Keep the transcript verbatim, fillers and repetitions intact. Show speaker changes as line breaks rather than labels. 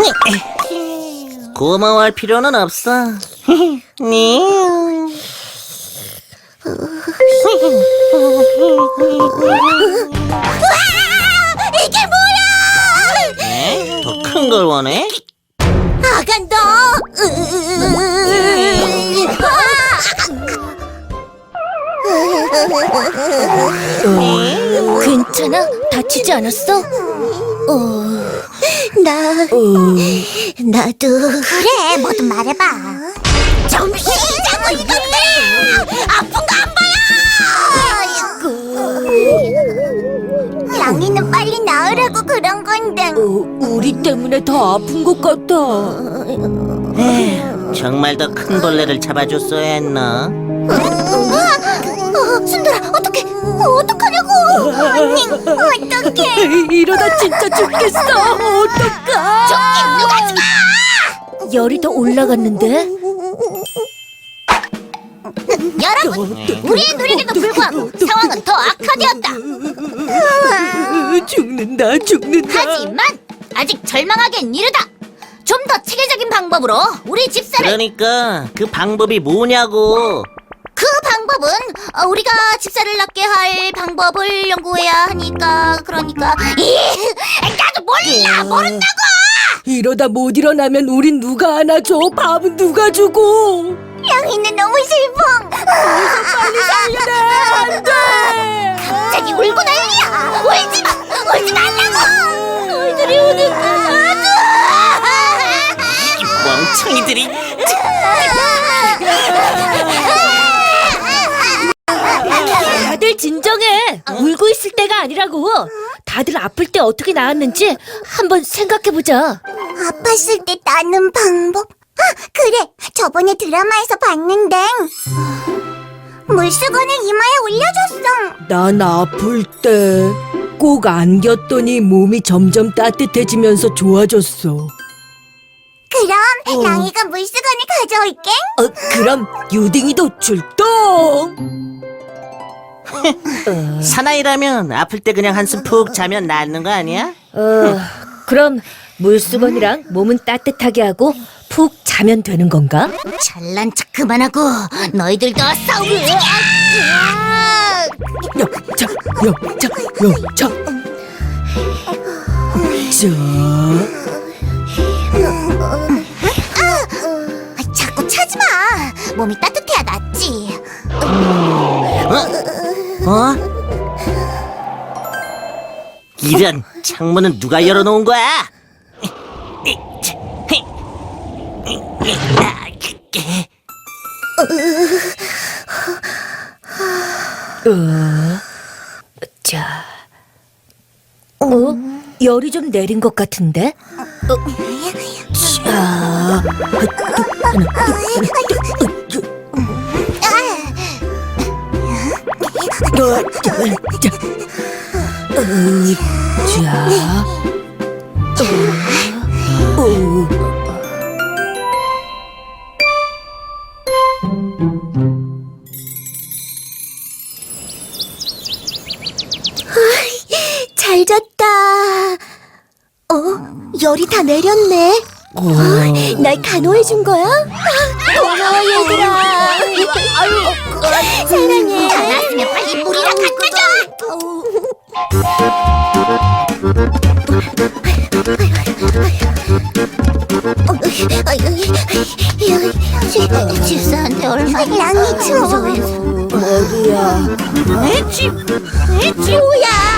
고마워할 필요는 없어. 네.
이게 뭐야?
더 큰 걸 원해?
아간다. 괜찮아? 다치지 않았어? 어, 나, 나도. 그래, 뭐든 말해봐. 좀 쉬자고, 이것들아! 아픈 거 안 보여! 랑이는 빨리 나으라고 그런 건데.
우리 때문에 더 아픈 것 같아.
에휴, 정말 더 큰 벌레를 잡아줬어야 했나?
어, 순돌아, 어떡해? 어, 어떡하냐고? 아니, 어떡해?
이러다 진짜 죽겠어. 어떡하?
죽긴 누가 죽어?
열이 더 올라갔는데?
여러분, 우리의 노력에도 불구하고 상황은 더 악화되었다.
죽는다, 죽는다.
하지만 아직 절망하기엔 이르다. 좀 더 체계적인 방법으로 우리 집사를.
그러니까 그 방법이 뭐냐고.
그 방법은 어, 우리가 집사를 낫게 할 방법을 연구해야 하니까. 그러니까 이 나도 몰라 모른다고.
이러다 못 일어나면 우린 누가 안아줘? 밥은 누가 주고?
양이는 너무 슬퍼.
빨리 살려내! 안 돼!
갑자기 울고 난리야. 울지 마, 울지 말라고. 너희들이 우는 거 봐줘.
멍청이들이.
다들 진정해. 울고 있을 때가 아니라고. 다들 아플 때 어떻게 나았는지 한번 생각해보자.
아팠을 때 나는 방법? 아, 그래, 저번에 드라마에서 봤는데 물수건을 이마에 올려줬어.
난 아플 때 꼭 안겼더니 몸이 점점 따뜻해지면서 좋아졌어.
그럼 랑이가 물수건을 가져올게.
어, 그럼 유딩이도 출동!
사나이라면 아플 때 그냥 한숨 푹 자면 낫는 거 아니야?
어, 그럼 물수건이랑 몸은 따뜻하게 하고 푹 자면 되는 건가?
잘난 척 그만하고 너희들도 싸우기.
여자, 여자, 여자. 자,
아, 자꾸 차지 마. 몸이 따뜻해야 낫지.
어? 이런, 창문은 누가 열어놓은 거야?
어, 자, 어? 열이 좀 내린 것 같은데? 어, 자, 어, 자, 자, 어, 자, 어, 어.
잘 잤다. 어? 열이 다 내렸네. 어, 날 간호해 준 거야? 아, 고마워 얘들아. 아유, 사랑해. 다 났으면 빨리 물이랑 갖다 줘. 집사한테 얼마나 랑이 추워.
머리야.
집, 지우야.